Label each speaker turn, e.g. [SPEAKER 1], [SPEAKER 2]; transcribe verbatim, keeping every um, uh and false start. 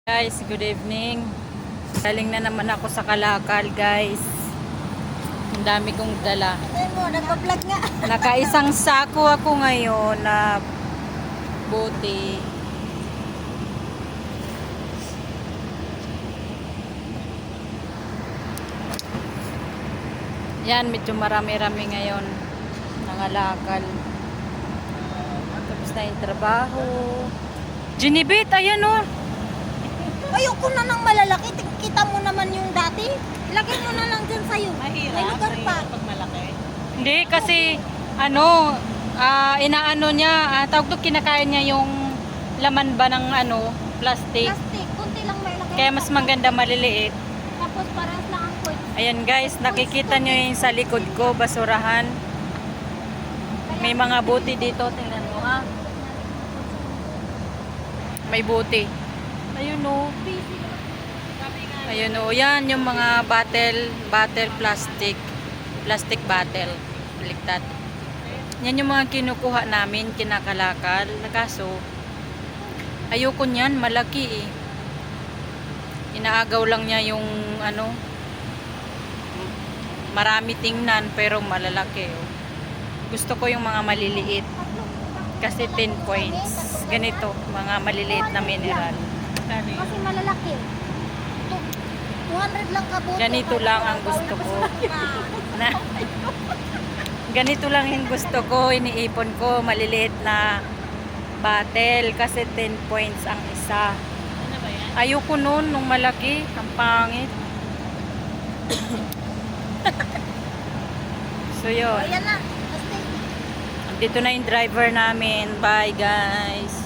[SPEAKER 1] Guys, good evening. Galing na naman ako sa Kalakal, guys. Ang dami kong dala.
[SPEAKER 2] Ay mo, nagpa-vlog nga.
[SPEAKER 1] Nakaisang sako ako ngayon na bote. Yan, medyo marami-rami ngayon. Nangalakal. Tapos na yung trabaho. Ginibit, ayan o.
[SPEAKER 2] Ayoko na ng malalaki. Kita mo naman yung dati. Lagay mo na lang dyan sa'yo.
[SPEAKER 3] Mahirap,
[SPEAKER 2] May lugar pa.
[SPEAKER 3] mahirap pag malaki.
[SPEAKER 1] Hindi, kasi ano, ah, inaano niya, ah, tawag to, kinakain niya yung laman ba ng ano, plastic.
[SPEAKER 2] Plastic. Kunti lang may lagay.
[SPEAKER 1] Kaya mas maganda maliliit.
[SPEAKER 2] Tapos parehas lang ang point.
[SPEAKER 1] Ayan guys, nakikita nyo yung sa likod ko, basurahan. May mga buti dito, tingnan mo ha. May buti. Ayun o. Ayun o, yan yung mga bottle, bottle plastic. Plastic bottle. Baliktad. Yan yung mga kinukuha namin, kinakalakal. Kaso, ayoko niyan, malaki eh. Inaagaw lang niya yung ano, marami tingnan pero malalaki. Oh. Gusto ko yung mga maliliit. Kasi ten points. Ganito, mga maliliit na mineral.
[SPEAKER 2] Kasi malalaki. two hundred lang kabuto.
[SPEAKER 1] Ganito lang ang gusto ko. Na, ganito lang yung gusto ko. Iniipon ko, maliliit na bottle. Kasi ten points ang isa.
[SPEAKER 3] Ano ba yan?
[SPEAKER 1] Ayoko nun, nung malaki. Ang pangit. So yun.
[SPEAKER 2] Ayan na. Plastic.
[SPEAKER 1] Dito na yung driver namin. Bye guys.